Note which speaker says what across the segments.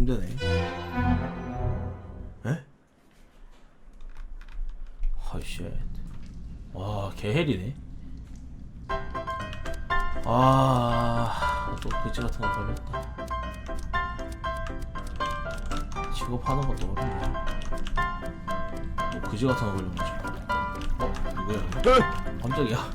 Speaker 1: 힘드네. 에? 허쉣. 와 개헬이네. 또 그지 같은 거 걸렸다. 직업하는 것도 어렵네. 또 그지 같은 거 걸려가지고. 누구야? 깜짝이야.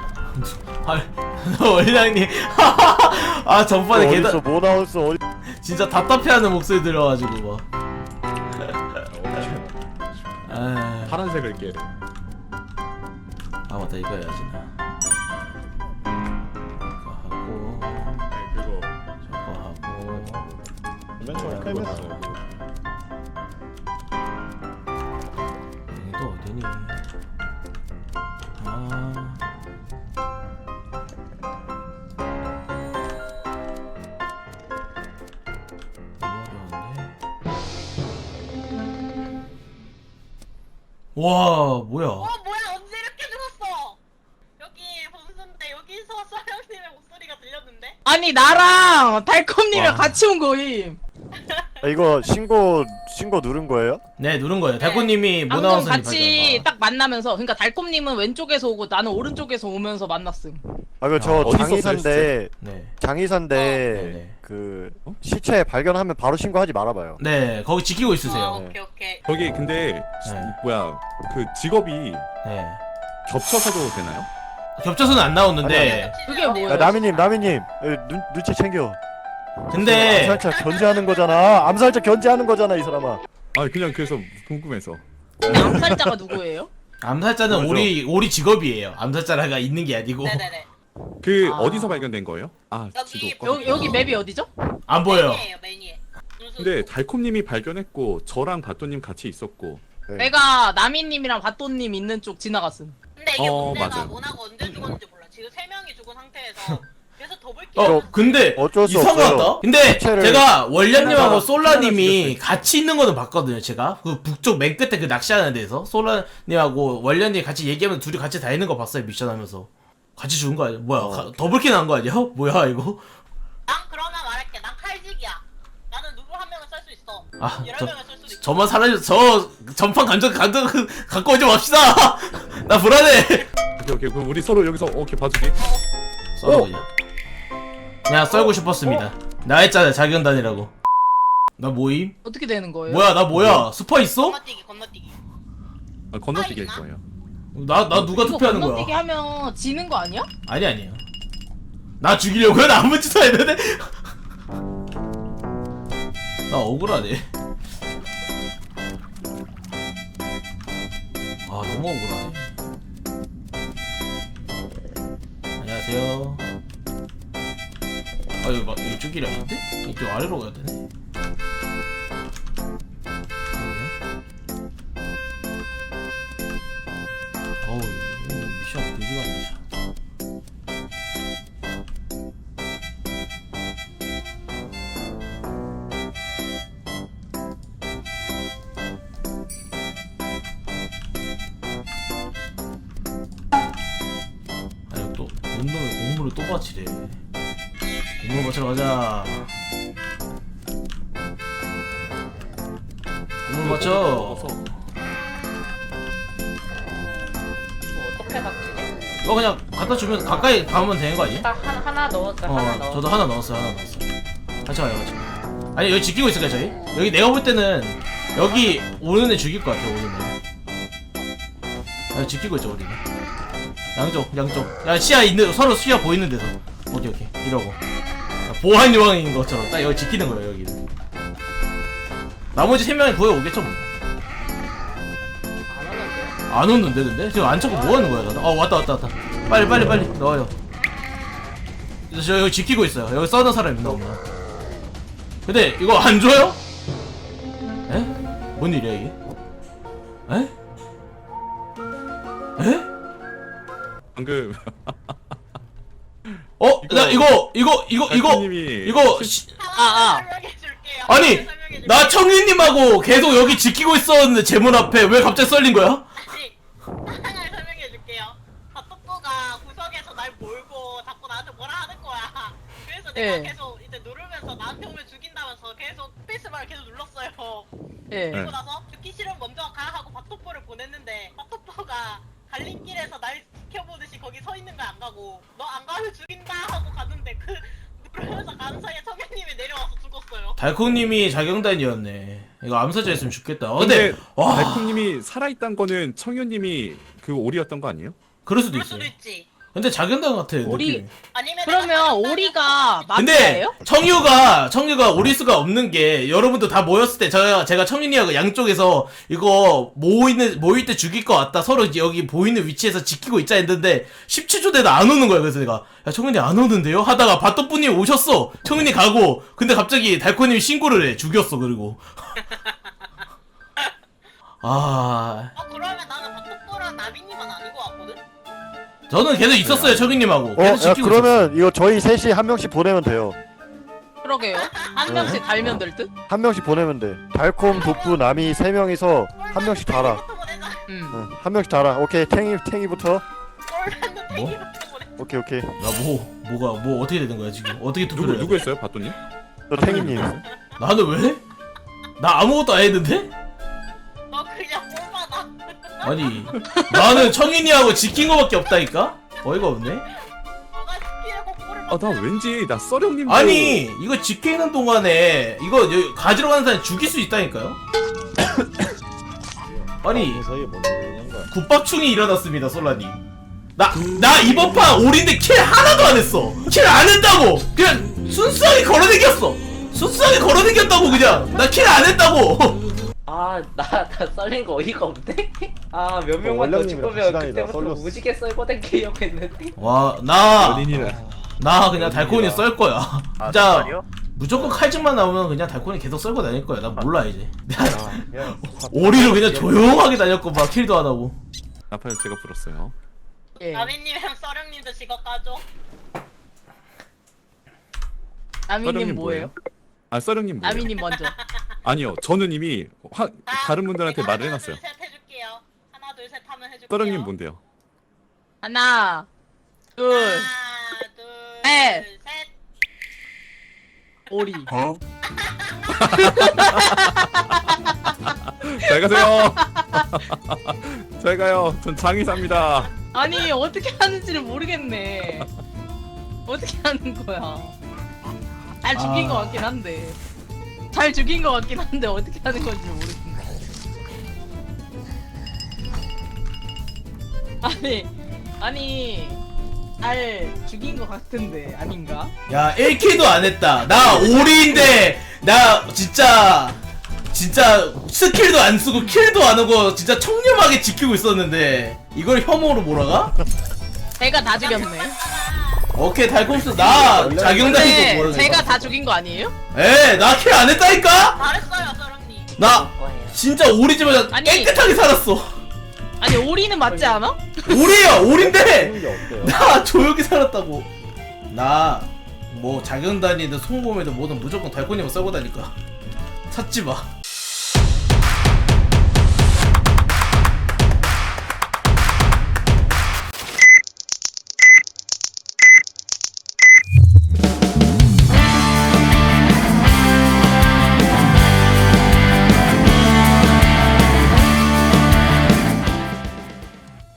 Speaker 1: 원장님. 전판에
Speaker 2: 어디서 뭐 나왔어? 어디?
Speaker 1: 진짜 답답해하는 목소리 들어가지고 막.
Speaker 3: 파란색을 깨.
Speaker 1: 맞다 이거 해야지 나. 이거 하고
Speaker 3: 그거
Speaker 1: 저거 하고.
Speaker 2: 맨 처음에 깔렸어.
Speaker 1: 여기 또 어디니? 와 뭐야?
Speaker 4: 뭐야 언제 이렇게 죽었어? 여기 범수인데 여기서 서영님의 목소리가 들렸는데?
Speaker 5: 아니 나랑 달콤님이랑
Speaker 1: 와.
Speaker 5: 같이 온 거임.
Speaker 2: 이거 신고 누른 거예요?
Speaker 1: 네 누른 거예요. 달코님이 뭐
Speaker 5: 방금
Speaker 1: 나와서
Speaker 5: 같이 딱 만나면서 그러니까 달콤님은 왼쪽에서 오고 나는 오른쪽에서 오면서 만났음.
Speaker 2: 저
Speaker 3: 어디서
Speaker 2: 장의사인데
Speaker 1: 네.
Speaker 2: 장의사인데 그 시체 발견하면 바로 신고하지 말아봐요.
Speaker 1: 네 거기 지키고 있으세요.
Speaker 4: 오케이.
Speaker 3: 거기 근데
Speaker 1: 네.
Speaker 3: 뭐야 그 직업이
Speaker 1: 네.
Speaker 3: 겹쳐서도 되나요?
Speaker 1: 겹쳐서는 안 나오는데
Speaker 5: 그게 뭐예요?
Speaker 2: 야, 나미님 눈치 챙겨.
Speaker 1: 근데
Speaker 2: 암살자 견제하는 거잖아. 암살자 견제하는 거잖아 이 사람아.
Speaker 3: 아 그냥 그래서 궁금해서.
Speaker 5: 근데 암살자가 누구예요?
Speaker 1: 암살자는
Speaker 2: 뭐죠?
Speaker 1: 우리 직업이에요. 암살자가 있는 게 아니고
Speaker 4: 네네네.
Speaker 3: 그
Speaker 5: 아.
Speaker 3: 어디서 발견된 거예요?
Speaker 4: 여기
Speaker 3: 지도.
Speaker 5: 여기 맵이 어디죠?
Speaker 1: 안 보여.
Speaker 4: 매니에.
Speaker 3: 근데 달콤님이 발견했고 저랑 바토님 같이 있었고.
Speaker 2: 네.
Speaker 5: 내가 나미님이랑 바또님 있는 쪽 지나갔음.
Speaker 4: 근데 이게 문제가
Speaker 3: 맞아요.
Speaker 4: 모나가 언제 죽었는지 몰라. 지금 3명이 죽은 상태에서 그래서 더블킬.
Speaker 1: 근데
Speaker 2: 어쩔 수
Speaker 1: 이상하다.
Speaker 2: 없어요.
Speaker 1: 근데
Speaker 2: 시체를
Speaker 1: 제가 원련님하고
Speaker 2: 하나
Speaker 1: 솔라님이 같이 있는 거는 봤거든요. 제가 그 북쪽 맨 끝에 그 낚시하는 데서 솔라님하고 원련님 같이 얘기하면서 둘이 같이 다니는 거 봤어요. 미션하면서 같이 죽은 거 아니야? 뭐야? 더블킬 난 거 아니야? 뭐야 이거?
Speaker 4: 난 그러면 말할게. 난 칼직이야. 나는 누구 한 명을 쏠 수 있어. 여러 명을 쏠 수도 있어.
Speaker 1: 저만 사라져. 저 전판 감정 갖고 오지 맙시다. 나 불안해.
Speaker 3: 오케이 그럼 우리 서로 여기서 오케이 봐주기.
Speaker 1: 썰어 그냥 썰고 싶었습니다. 나 했잖아 자기연단이라고. 나 모임?
Speaker 5: 어떻게 되는 거예요?
Speaker 1: 뭐야 나 뭐야? 스파 있어?
Speaker 4: 건너뛰기.
Speaker 3: 건너뛰기 할
Speaker 4: 있나?
Speaker 3: 거예요.
Speaker 1: 나 누가
Speaker 5: 이거
Speaker 1: 투표하는
Speaker 5: 건너뛰기
Speaker 1: 거야?
Speaker 5: 하면 지는 거 아니야?
Speaker 1: 아니에요. 나 죽이려고요? 나 아무 짓도 안 했는데? 나 억울하네. 너무 억울하네. 안녕하세요. 여기 이쪽 길이 아닌데? 이쪽 아래로 가야 되네. 이거 미션 그지 같네. 또 공물을 또 바치래. 공물 바치러 가자. 공물 바쳐.
Speaker 5: 어떻게 바뀌지?
Speaker 1: 이거 그냥 갖다 주면 가까이 가면 되는 거 아니야?
Speaker 5: 딱 하나 넣었어. 하나 넣었어.
Speaker 1: 저도 하나 넣었어요. 같이 가요, 같이. 아니 여기 지키고 있을까요, 저희? 여기 내가 볼 때는 여기 오는 애 죽일 것 같아, 오는 애. 지키고 있죠, 우리는. 양쪽. 야, 시야 있는, 서로 시야 보이는 데서. 오케이. 이러고. 보안 요원인 것처럼 딱 여기 지키는 거예요, 여기는. 나머지 3명이 구해 오겠죠, 뭐. 안 오는데, 근데? 지금 안 찾고 뭐 하는 거야, 나는? 왔다. 빨리, 넣어요. 저 여기 지키고 있어요. 여기 써는 사람 있나 없나? 근데 이거 안 줘요? 에? 뭔 일이야 이게? 에?
Speaker 3: 방금
Speaker 1: 나 이거
Speaker 3: 달콤님이
Speaker 4: 설명해줄게요.
Speaker 1: 아니
Speaker 4: 설명해줄게요.
Speaker 1: 나 청윤님하고 계속 여기 지키고 있었는데 제 문 앞에 왜 갑자기 썰린 거야?
Speaker 4: 아니, 하나를 설명해줄게요. 핫도그가 구석에서 날 몰고 자꾸 나한테 뭐라 하는 거야. 그래서 내가
Speaker 5: 예.
Speaker 4: 계속 이제 누르면서 나한테 오면 죽인다면서 계속 스페이스바를 계속 눌렀어요.
Speaker 5: 예.
Speaker 4: 그리고 나서 죽기 싫으면 먼저 가 하고 바토포를 보냈는데 바토포가 갈림길에서 날 지켜보듯이 거기 서 있는 거 안 가고 너 안 가면 죽인다 하고 가는데 그 누르면서 가는 사이에 청현님이 내려와서 죽었어요.
Speaker 1: 달콩님이 자경단이었네. 이거 암사자였으면 죽겠다. 근데 와
Speaker 3: 달콩님이 살아있단 거는 청유님이 그 오리였던 거 아니에요?
Speaker 1: 그럴 수도
Speaker 4: 그럴
Speaker 1: 있어요.
Speaker 4: 수도 있지.
Speaker 1: 근데 자경단 같아.
Speaker 5: 오리-
Speaker 1: 느낌이.
Speaker 4: 아니면
Speaker 5: 그러면 오리가
Speaker 1: 근데
Speaker 5: 마피아예요?
Speaker 1: 청유가 오릴 수가 없는 게 여러분들 다 모였을 때 제가 청윤이하고 양쪽에서 이거 모일 때 죽일 것 같다 서로 여기 보이는 위치에서 지키고 있자 했는데 17초 되다 안 오는 거야. 그래서 내가 야 청윤이 안 오는데요? 하다가 바토뿌님 오셨어. 청윤이 가고 근데 갑자기 달코님이 신고를 해. 죽였어. 그리고
Speaker 4: 그러면 나는 바토포랑 나비님은 아닌 것 같거든?
Speaker 1: 저는 계속 있었어요. 청윤님하고 계속
Speaker 2: 야
Speaker 1: 지키고
Speaker 2: 그러면 이거 저희 셋이 한 명씩 보내면 돼요.
Speaker 5: 그러게요. 한 명씩 달면 될 듯?
Speaker 2: 한 명씩 보내면 돼. 달콤, 독부, 남이 세 명이서 한 명씩 달아.
Speaker 4: 땡이부터 보내자.
Speaker 5: 응.
Speaker 2: 한 명씩 달아. 오케이 탱이부터.
Speaker 4: 꼴라는 땡이부터 보내자.
Speaker 2: 오케이.
Speaker 1: 뭐 어떻게 되는 거야 지금? 어떻게 투표를 해야
Speaker 3: 누구
Speaker 1: 돼?
Speaker 3: 했어요, 바또님?
Speaker 2: 너 탱이님.
Speaker 1: 나는 왜? 나 아무것도 안 했는데?
Speaker 4: 너 그냥 꼴받아.
Speaker 1: 아니 나는 청인이하고 지킨 거밖에 없다니까? 어이가 없네.
Speaker 4: 너가 스킬하고 꼴을
Speaker 3: 아, 나 왠지 나 썰형님도
Speaker 1: 아니 이거 지키는 동안에 이거 여기 가지러 가는 사람 죽일 수 있다니까요? 아니 국밥충이 일어났습니다. 솔라님 나 이번 판 올인데 킬 하나도 안 했어. 킬 안 했다고. 그냥 순수하게 걸어다녔어. 순수하게 걸어다녔다고. 그냥 나 킬 안 했다고.
Speaker 6: 나 썰린 거 어이가 없네? 몇 명만 더
Speaker 2: 원량님이랑
Speaker 6: 찍으면
Speaker 2: 시간이다,
Speaker 6: 그때부터
Speaker 2: 썰렸어.
Speaker 6: 무지개 썰고 댕기려고 했는데
Speaker 1: 나
Speaker 3: 연인이라.
Speaker 1: 그냥 달코니 썰 거야. 진짜 무조건 칼집만 나오면 그냥 달코니 계속 썰고 다닐 거야. 난 몰라 이제. 오리로 그냥 조용하게 다녔고 막 킬도 안 하고.
Speaker 3: 나팔 제가 불었어요.
Speaker 5: 예.
Speaker 4: 나비님이랑 썰형님도 직업 가죠.
Speaker 5: 나미님 뭐예요?
Speaker 3: 썰형님 뭐예요?
Speaker 5: 나미님 먼저.
Speaker 3: 아니요, 저는 이미 다른 분들한테 말을 해놨어요.
Speaker 4: 하나 둘 셋 해줄게요. 하나 둘 셋 하면 해줄게요.
Speaker 3: 썰형님 뭔데요?
Speaker 5: 하나, 둘,
Speaker 4: 하나 둘
Speaker 5: 셋.
Speaker 4: 셋.
Speaker 5: 오리.
Speaker 3: 잘 가세요. 잘 가요. 전 장의사입니다.
Speaker 5: 아니 어떻게 하는지를 모르겠네. 어떻게 하는 거야? 잘 죽인 것 같긴 한데. 잘 죽인 것 같긴 한데 어떻게 하는 건지 모르겠네. 아니 잘 죽인 것 같은데 아닌가?
Speaker 1: 야 1킬도 안 했다. 나 오리인데 나 진짜 스킬도 안 쓰고 킬도 안 하고 진짜 청렴하게 지키고 있었는데 이걸 혐오로 몰아가?
Speaker 5: 제가 다 죽였네.
Speaker 1: 오케이 달콤스 나 자경단이고
Speaker 5: 근데
Speaker 1: 뭐라
Speaker 5: 제가 다 죽인 거 아니에요?
Speaker 1: 나 킬 안 했다니까?
Speaker 4: 잘했어요 썰형님.
Speaker 1: 나 진짜 오리지만
Speaker 5: 아니.
Speaker 1: 깨끗하게 살았어.
Speaker 5: 아니 오리는 맞지 않아?
Speaker 1: 오리야 오리인데 나 조용히 살았다고. 나 뭐 자경단이든 송곰이든 뭐든 무조건 달코니만 썰고 다니까 찾지 마.